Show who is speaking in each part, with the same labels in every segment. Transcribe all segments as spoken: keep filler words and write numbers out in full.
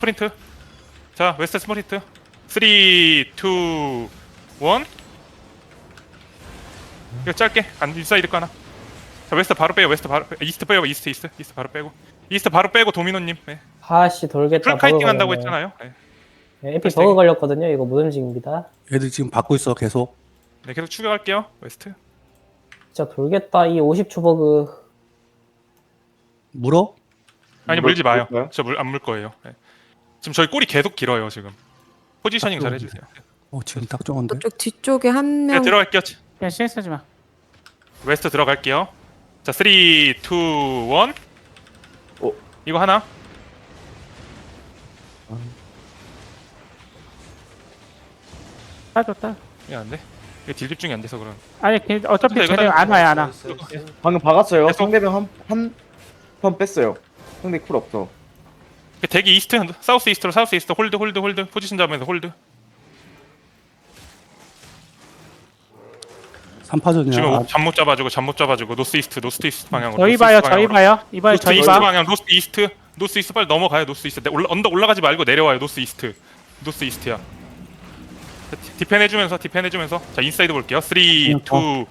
Speaker 1: 스프린트. 자 웨스트 스프린트. 삼, 이, 일. 이거 짧게 안 인사이드 거 하나. 자 웨스트 바로 빼요. 웨스트 바로 빼. 이스트 빼요. 이스트 이스트 이스트 바로 빼고. 이스트 바로 빼고 도미노님. 네.
Speaker 2: 아씨 돌겠다.
Speaker 1: 풀카이팅 한다고 했잖아요. 네.
Speaker 2: 네, 에피 버그 걸렸거든요. 이거 못 움직입니다.
Speaker 3: 애들 지금 받고 있어 계속.
Speaker 1: 네 계속 추격할게요. 웨스트.
Speaker 2: 진짜 돌겠다. 이 오십 초 버그.
Speaker 3: 물어?
Speaker 1: 아니
Speaker 4: 물-
Speaker 1: 물지 마요.
Speaker 4: 물까요?
Speaker 1: 저 물 안 물 거예요. 네. 지금 저희 꼬리 계속 길어요 지금. 포지셔닝 잘 해주세요.
Speaker 3: 어 지금 딱 좋은데.
Speaker 5: 저쪽 뒤쪽에 한
Speaker 1: 네
Speaker 5: 명.
Speaker 1: 들어갈게요.
Speaker 6: 야 씨에스 하지 마.
Speaker 1: 웨스트 들어갈게요. 자 삼, 이, 일.
Speaker 4: 어.
Speaker 1: 이거 하나.
Speaker 6: 따줬다.
Speaker 1: 이거 안 돼. 이거 딜 집중이 안 돼서 그런.
Speaker 6: 아니 걔 어차피
Speaker 1: 이거
Speaker 6: 쟤네
Speaker 1: 다-
Speaker 6: 안 와요 안 와.
Speaker 4: 방금 박았어요.
Speaker 1: 계속.
Speaker 4: 상대방 한한턴 뺐어요. 상대 쿨 없어.
Speaker 1: 대기 이스트, 사우스 이스트로 사우스 이스트 홀드 홀드 홀드 포지션 잡으면서 홀드.
Speaker 3: 삼파전이야.
Speaker 1: 지금
Speaker 3: 아,
Speaker 1: 잠 못 잡아주고 잠 못 잡아주고 노스 이스트 노스 이스트 방향으로.
Speaker 6: 저희
Speaker 1: 노스
Speaker 6: 봐요
Speaker 1: 이스트
Speaker 6: 저희
Speaker 1: 방향으로.
Speaker 6: 봐요 이번에
Speaker 1: 노스
Speaker 6: 저희
Speaker 1: 이스트
Speaker 6: 봐.
Speaker 1: 방향 노스 이스트 노스 이스트 빨리 넘어가요. 노스 이스트 올라, 언덕 올라가지 말고 내려와요. 노스 이스트 노스 이스트야. 자, 디- 디펜 해주면서 디펜 해주면서 자 인사이드 볼게요. 삼, 이, 일.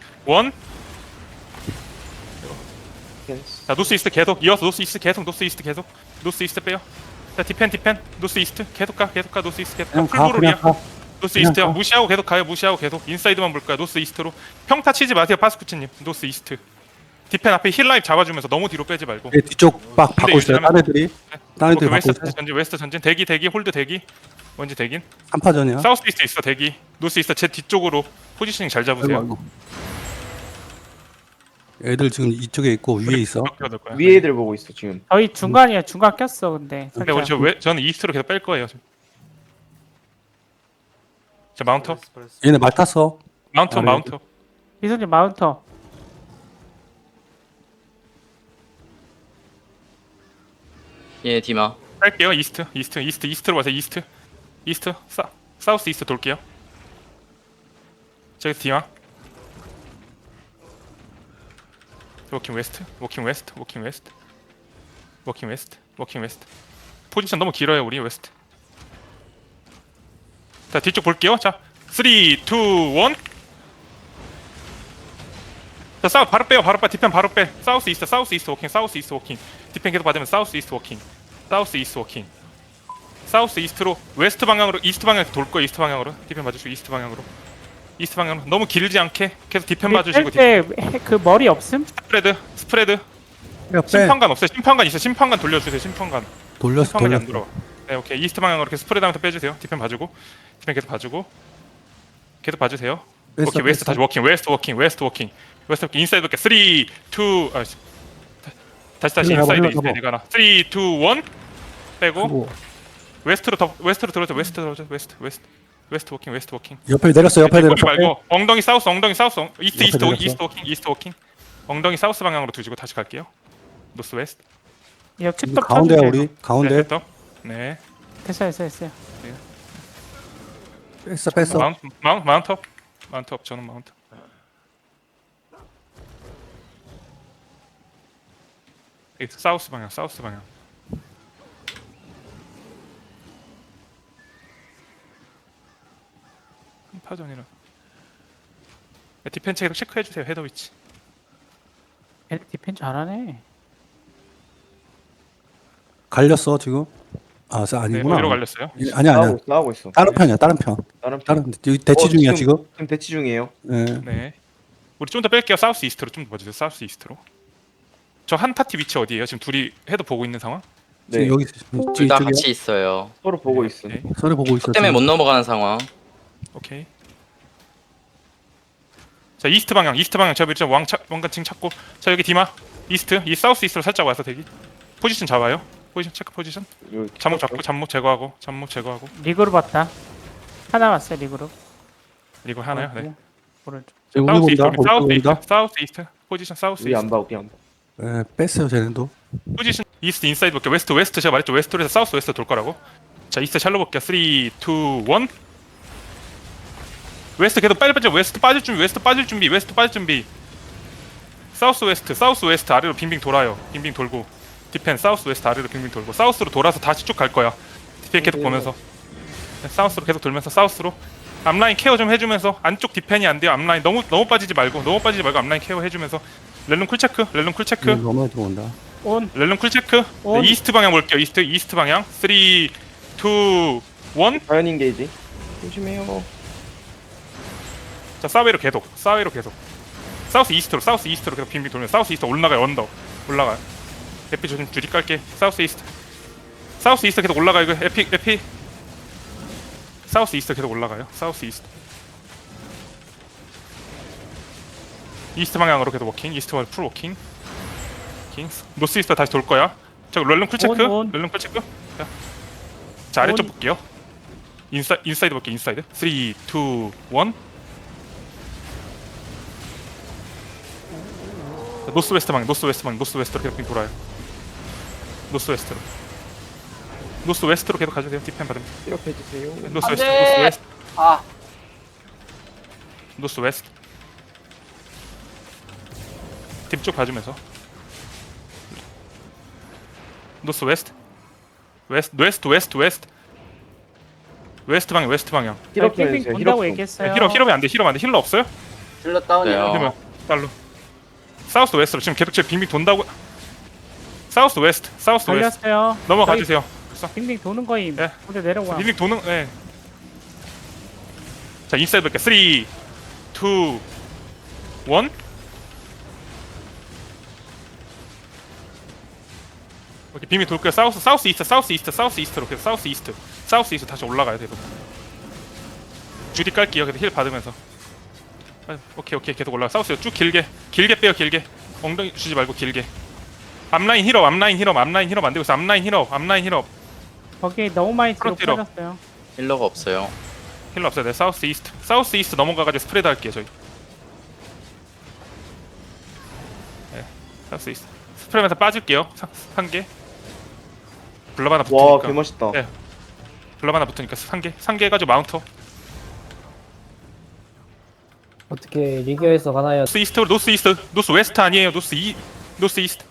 Speaker 1: 자 노스 이스트 계속 이어서 노스 이스트 계속 노스 이스트 계속 노스 이스트 빼요. 자 디펜 디펜 노스 이스트 계속 가 계속 가 노스 이스트 계속 가
Speaker 3: 그냥 가
Speaker 1: 풀브롤이야.
Speaker 3: 그냥 가.
Speaker 1: 노스
Speaker 3: 그냥
Speaker 1: 이스트야.
Speaker 3: 가.
Speaker 1: 무시하고 계속 가요. 무시하고 계속 인사이드만 볼 거야. 노스 이스트로 평타 치지 마세요. 파스쿠치님. 노스 이스트 디펜 앞에 힐 라인 잡아주면서 너무 뒤로 빼지 말고.
Speaker 3: 얘 뒤쪽 막 받고 있어요.
Speaker 1: 유지하면-
Speaker 3: 딴 애들이. 딴 애들이
Speaker 1: 오케이,
Speaker 3: 받고
Speaker 1: 웨스트
Speaker 3: 있어.
Speaker 1: 다시 전진 웨스트 전진 대기 대기 홀드 대기 뭔지 대긴.
Speaker 3: 삼파전이야.
Speaker 1: 사우스 이스트 있어 대기. 노스 이스트 제 뒤쪽으로 포지셔닝 잘 잡으세요.
Speaker 3: 아이고, 아이고. 애들 지금 이쪽에 있고 위에 있어.
Speaker 1: 몇 개가 될 거야.
Speaker 4: 위에 애들 보고 있어 지금.
Speaker 6: 저희 중간이야 중간 꼈어 근데.
Speaker 1: 근데 우리 저 왜, 저는 이스트로 계속 뺄 거예요. 지금. 자 마운터
Speaker 3: 얘네 말 탔어.
Speaker 1: 마운터
Speaker 3: 아,
Speaker 1: 마운터.
Speaker 6: 이선님 마운터.
Speaker 7: 예, 디마.
Speaker 1: 뺄게요. 이스트 이스트 이스트 이스트로 와서 이스트 이스트 사 사우스 이스트 돌게요. 저기 디마. 워킹 웨스트 워킹 웨스트 워킹 웨스트 워킹 웨스트 워킹 웨스트. 포지션 너무 길어요 우리 웨스트. 자 뒤쪽 볼게요. 자 삼, 이, 일. 자 싸우 바로 빼요. 바로 빼. 디펜 바로 빼. 사우스 이스트 사우스 이스트 워킹 사우스 이스트 워킹. 디펜 계속 받으면 사우스 이스트 워킹 사우스 이스트 워킹. 사우스 이스트로 웨스트 방향으로 이스트 방향으로 돌 거예요. 이스트 방향으로 디펜 봐주시고 이스트 방향으로 이스트 방향으로 너무 길지 않게 계속 디펜 봐주시고 디펜.
Speaker 6: 뺄때그 머리 없음?
Speaker 1: 스프레드 스프레드.
Speaker 3: 빼, 빼.
Speaker 1: 심판관 없어요. 심판관 있어. 심판관 돌려주세요. 심판관.
Speaker 3: 돌렸어
Speaker 1: 심판관이 안
Speaker 3: 돌렸어.
Speaker 1: 들어와. 네 오케이 이스트 방향으로 이렇게 스프레드하면서 빼주세요. 디펜 봐주고 디펜 계속 봐주고 계속 봐주세요.
Speaker 3: 뺐어,
Speaker 1: 오케이 웨스트
Speaker 3: 뺐어.
Speaker 1: 다시 워킹 웨스트 워킹 웨스트 워킹 웨스트 워킹 인사이드 볼게. 삼, 이, 일. 아, 씨. 다- 다시 다시
Speaker 3: 흘러가봐,
Speaker 1: 인사이드
Speaker 3: 흘러가봐.
Speaker 1: 인사이드 가나. 삼, 이, 일. 빼고
Speaker 3: 그리고
Speaker 1: 웨스트로 더 웨스트로 들어오죠. 웨스트 들어오죠. 웨스트 웨스트 웨스트 워킹 웨스트 워킹.
Speaker 3: 옆에 내렸어. 옆에
Speaker 1: 거기
Speaker 3: 내렸어.
Speaker 1: 말고 엉덩이 사우스 엉덩이 사우스 엉- 이스트
Speaker 3: 옆에
Speaker 1: 이스트 워-
Speaker 3: 내렸어.
Speaker 1: 이스트 워킹 이스트 워킹. 엉덩이 사우스 방향으로 두시고 다시 갈게요. 노스 웨스트.
Speaker 6: 이거
Speaker 3: 이거
Speaker 6: 칩떡
Speaker 3: 가운데야
Speaker 6: 쳐주세요.
Speaker 3: 우리. 가운데.
Speaker 1: 네, 됐다. 네.
Speaker 6: 됐어요 됐어요 됐어요.
Speaker 3: 뺐어 뺐어.
Speaker 1: 마운트 마운트 마운트업. 마운트업 저는 마운트. 이 사우스 방향 사우스 방향. 파전이라. 디펜 체계도 체크해 주세요. 헤더 위치.
Speaker 6: 얘 디펜 잘하네.
Speaker 3: 갈렸어 지금. 아 사-
Speaker 1: 네,
Speaker 3: 아니구나.
Speaker 1: 어디로 갈렸어요?
Speaker 3: 예, 아니야 아니야.
Speaker 4: 싸우고, 싸우고 있어.
Speaker 3: 다른 편이야 다른 편.
Speaker 4: 다른 편.
Speaker 3: 다른 여기 대치
Speaker 4: 어,
Speaker 3: 중이야 지금.
Speaker 4: 지금 대치 중이에요.
Speaker 3: 예.
Speaker 1: 네. 우리 좀 더 뺄게요. 사우스 이스트로 좀 더 봐주세요. 사우스 이스트로. 저 한 파티 위치 어디예요? 지금 둘이 헤더 보고 있는 상황?
Speaker 3: 지금
Speaker 4: 네.
Speaker 3: 여기
Speaker 7: 둘 다
Speaker 3: 이쪽이야.
Speaker 7: 같이 있어요.
Speaker 4: 서로 보고 있어.
Speaker 1: 오케이.
Speaker 3: 서로 보고 있어.
Speaker 7: 때문에
Speaker 3: 지금.
Speaker 7: 못 넘어가는 상황.
Speaker 1: 오케이. 자 이스트 방향, 이스트 방향 제가 일단 왕차 왕관층 찾고 자 여기 디마 이스트, 이 사우스 이스트로 살짝 와서 대기. 포지션 잡아요. 포지션 체크 포지션.
Speaker 4: 여기
Speaker 1: 잠목 잡고 잠목 제거하고 잠목 제거하고
Speaker 6: 리그로 봤다. 하나 왔어요 리그로.
Speaker 1: 이거 하나요? 네.
Speaker 6: 오른쪽.
Speaker 3: 지금 우리
Speaker 1: 사우스
Speaker 3: 본다.
Speaker 1: 이스트, 사우스
Speaker 3: 우리
Speaker 1: 이스트,
Speaker 3: 본다.
Speaker 1: 사우스 이스트. 포지션 사우스
Speaker 4: 우리
Speaker 1: 이스트.
Speaker 4: 안 봐, 우리 안 봐.
Speaker 3: 예, 뺐어요 쟤네도.
Speaker 1: 포지션 이스트 인사이드 볼게요. 웨스트 웨스트 제가 말했죠. 웨스트에서 사우스 웨스트 돌 거라고. 자 이스트 샬로 볼게요. 삼, 이, 일. 웨스트 계속 빨리 빠져. 웨스트 빠질 준비. 웨스트 빠질 준비. 웨스트 빠질 준비. 사우스 웨스트 사우스 웨스트 아래로 빙빙 돌아요. 빙빙 돌고 디펜 사우스 웨스트 아래로 빙빙 돌고 사우스로 돌아서 다시 쭉 갈 거야. 디펜 계속 보면서 네, 사우스로 계속 돌면서 사우스로 앞라인 케어 좀 해주면서 안쪽 디펜이 안 돼요. 앞라인 너무 너무 빠지지 말고 너무 빠지지 말고 앞라인 케어 해주면서 렐름 쿨 체크 렐름 쿨 체크
Speaker 3: 음, 너무 들어온다.
Speaker 6: 온.
Speaker 1: 렐름 쿨 체크
Speaker 6: 온.
Speaker 1: 네, 이스트 방향 볼게요. 이스트 이스트 방향 삼, 이, 일
Speaker 4: 자연 인게이지. 조심해요.
Speaker 1: 자 사웨이로 계속 사웨이로 계속 사우스 이스트로 사우스 이스트로 계속 빙빙 돌면 사우스 이스트 올라가요. 언더 올라가요. 에피 좀 줄이 깔게. 사우스 이스트 사우스 이스트 계속 올라가요. 이거 에피 에피 사우스 이스트 계속 올라가요. 사우스 이스트 이스트 방향으로 계속 워킹. 이스트 방향 풀 워킹. 킹 노스 이스트 다시 돌 거야. 자 렐름 쿨 체크.
Speaker 6: 온, 온.
Speaker 1: 렐름 쿨 체크. 자, 자 아래쪽
Speaker 6: 온.
Speaker 1: 볼게요. 인사 인사이드 볼게요. 인사이드 삼, 이, 일 노스 웨스트 방 노스 웨스트 방 노스 웨스트로 계속 돌아요. 노스 웨스트로 노스 웨스트로 계속 가주세요. 디펜 받으면
Speaker 4: 기억해주세요.
Speaker 1: 노스 웨스트 노스 웨스트
Speaker 2: 아
Speaker 1: 노스 웨스트 딥쪽 봐주면서 노스 웨스트 웨스트 웨스트 웨스트 웨스트 웨스트 방향 웨스트 방향
Speaker 4: 힐업 좀
Speaker 6: 빙빙
Speaker 4: 해주세요.
Speaker 6: 본다고
Speaker 4: 힐업 좀.
Speaker 6: 얘기했어요.
Speaker 1: 힐업 힐업이 안돼 힐업 안돼 힐러 없어요?
Speaker 7: 힐러 다운이요.
Speaker 1: 그러면 달로 사우스 웨스트로 지금 계속 지금 빙빙 돈다고 사우스 웨스트 사우스 웨스트
Speaker 6: 걸렸어요.
Speaker 1: 넘어가
Speaker 6: 저희
Speaker 1: 주세요.
Speaker 6: 빙빙 도는 거임.
Speaker 1: 네.
Speaker 6: 근데 내려와.
Speaker 1: 빙빙 도는 예. 자 인사이드 볼게 삼, 이, 일 이렇게 빙빙 돌 거예요. 사우스 사우스 이스트 사우스 이스트 사우스 이스트로 계속 사우스 이스트 사우스 이스트 다시 올라가요. 계속 주디 깔게요. 계속 힐 받으면서 아, 오케이 오케이 계속 올라가. 사우스 쭉 길게 길게 빼요. 길게 엉덩이 주지 말고 길게 앞라인 힐업 앞라인 힐업 앞라인 힐업 안 되고 있어. 앞라인 힐업 앞라인 힐업
Speaker 6: 거기 너무 많이 뒤로
Speaker 1: 프론트로.
Speaker 6: 빠졌어요.
Speaker 7: 힐러가 없어요.
Speaker 1: 힐러 없어요. 네, 사우스 이스트. 사우스 이스트 넘어가가지고 스프레드 할게요, 저희. 네, 사우스 이스트. 스프레드에서 빠질게요. 사- 한 개. 블럽 하나 붙으니까.
Speaker 4: 와 개멋있다.
Speaker 1: 네. 블럽 하나 붙으니까 한 개. 한 개 해가지고 마운터.
Speaker 2: 어떻게 리기어에서 가나요?
Speaker 1: 노스 이스트, 노스 이스트. 노스 웨스트 아니에요. 노스 이, 노스 이스트.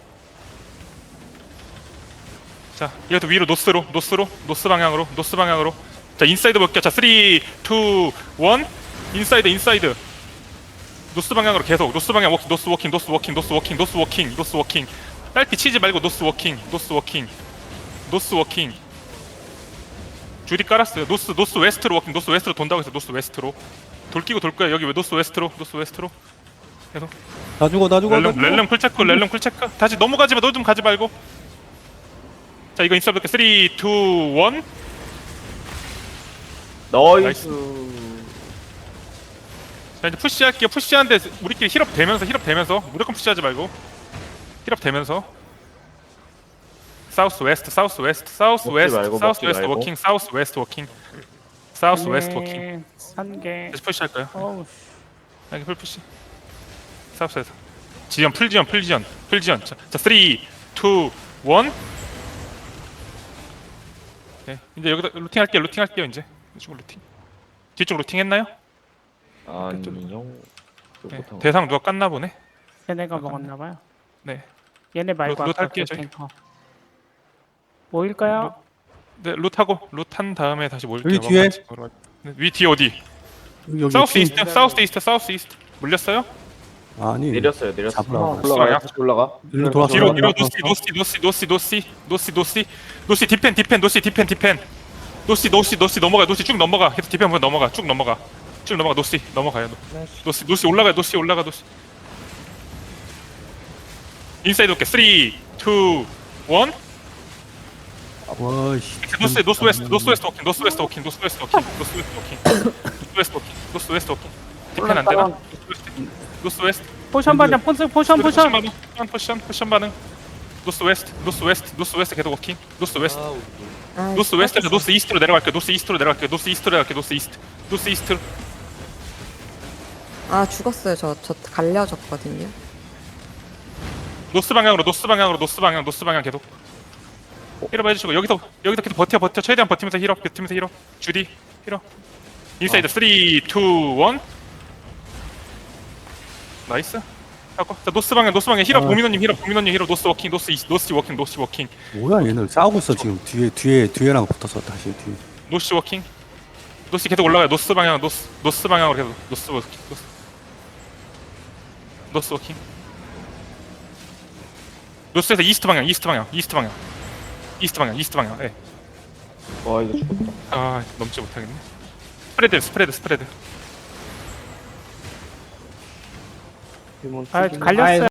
Speaker 1: 자, 이것도 위로 노스로, 노스로, 노스 방향으로, 노스 방향으로. 자, 인사이드 볼게요. 자, 삼, 이, 일 인사이드, 인사이드. 노스 방향으로 계속 노스 방향 워킹 노스 워킹 노스 워킹 노스 워킹 노스 워킹 노스 워킹 딸피 치지 말고 노스 워킹 노스 워킹 노스 워킹 줄이 깔았어요. 노스 노스 웨스트로 워킹 노스 웨스트로 돈다고 해서 노스 웨스트로 돌 끼고 돌 거야. 여기 왜 노스 웨스트로 노스 웨스트로 계속
Speaker 3: 나 죽어 나 죽어. 나
Speaker 1: 렐름
Speaker 3: 죽어.
Speaker 1: 렐름 쿨체크 렐름 쿨체크 다시 넘어가지 마. 너 좀 가지 말고. 자 이거 인스타 볼게 삼, 이, 일
Speaker 4: 나이스.
Speaker 1: 자 이제 푸시할게요. 푸시하는데 우리끼리 힐업 되면서 힐업 되면서 무조건 푸시하지 말고 힐업 되면서 사우스 웨스트 사우스 웨스트 사우스
Speaker 4: 먹지
Speaker 1: 웨스트
Speaker 4: 말고,
Speaker 1: 사우스
Speaker 4: 먹지
Speaker 1: 웨스트
Speaker 4: 말고.
Speaker 1: 워킹 사우스 웨스트 워킹 사우스 웨스트 워킹
Speaker 6: 네, 산개.
Speaker 1: 다시 푸시할까요?
Speaker 6: 어우.
Speaker 1: 여기 풀 푸시 사우스 웨스트 지연 풀 지연 풀 지연 풀 지연 자, 자 삼, 이, 일 네, 이제 여기다 루팅 할게요. 루팅 할게요. 이제 이쪽 루팅 뒤쪽 루팅 했나요?
Speaker 4: 아니요.
Speaker 1: 네, 대상 누가 깠나 보네.
Speaker 6: 얘네가 먹었나봐요.
Speaker 1: 네,
Speaker 6: 얘네 말고
Speaker 1: 로- 로
Speaker 6: 아까
Speaker 1: 탈게요,
Speaker 6: 그
Speaker 1: 저희.
Speaker 6: 탱커. 모일까요?
Speaker 1: 네 루트하고 루트한 다음에 다시 모일게요.
Speaker 3: 여기 뒤에.
Speaker 1: 같이 걸어가- 네, 위 뒤에 어디?
Speaker 3: 여기, 여기
Speaker 1: 사우스
Speaker 3: 팀-
Speaker 1: 이스트, 사우스 이스트, 사우스 이스트 물렸어요?
Speaker 3: 아니
Speaker 4: 내렸어요. 내렸어요.
Speaker 3: 잡으라고.
Speaker 4: 올라가. 다시 올라가.
Speaker 3: 일로 돌아서
Speaker 1: 뒤로
Speaker 3: 올라가.
Speaker 1: 뒤로 노시 노시 노시 노시 노시 노시 노시 노시 디펜 디펜 노시 디펜 디펜 노시 노시 노시 넘어가 노시 쭉 넘어가 계속 디펜 보면 넘어가 쭉 넘어가 쭉 넘어가 노시 넘어가요 노시 노시 올라가 노시 올라가 노시 인사이드 올게 삼, 이, 일
Speaker 3: 와씨.
Speaker 1: 노스 노스 웨스트 노스 웨스트 워킹 노스 웨스트 워킹 노스 웨스트 워킹 노스 웨스트 워킹 노스 웨스트 워킹 노스 웨스트 워킹 디펜 안 되나? 노스 웨스트 노스 웨스트
Speaker 6: 포션 반장 포션 포션 포션.
Speaker 1: 반응 포션 포션 포션 반응 노스 웨스트 노스 웨스트 노스 웨스트 계속 워킹 노스 웨스트 노스 웨스트에서 노스 이스트로 내려갈게요. 노스 이스트로 내려갈게요. 노스 이스트로 내려갈게요. 노스 이스트 노스 이스트
Speaker 5: 아 죽었어요. 저 저 갈려졌거든요.
Speaker 1: 노스 방향으로 노스 방향으로 노스 방향 노스 방향 계속 힐업 해주시고 여기서 여기서 계속 버텨 버텨 최대한 버티면서 힐업 버티면서 힐업 주디 힐업 인사이드 삼, 이, 일 나이스 하고. 자 노스 방향 노스 방향 힐업
Speaker 2: 어.
Speaker 1: 도미노님 힐업 도미노님 힐업 노스 워킹 노스 이스 노스 워킹 노스 워킹
Speaker 3: 뭐야 얘는 싸우고 있어 지금 뒤에 뒤에 뒤에랑 붙어서 다시 뒤에.
Speaker 1: 노스 워킹 노스 계속 올라가요 노스 방향 노스 노스 방향으로 계속 노스 워킹 노스 노스 워킹 노스에서 이스트 방향 이스트 방향 이스트 방향 이스트 방향 이스트 방향 예.
Speaker 4: 와 이거 죽었다.
Speaker 1: 아 넘지 못하겠네 스프레드 스프레드 스프레드
Speaker 4: 데몬
Speaker 6: 아
Speaker 4: 튀김.
Speaker 6: 갈렸어요.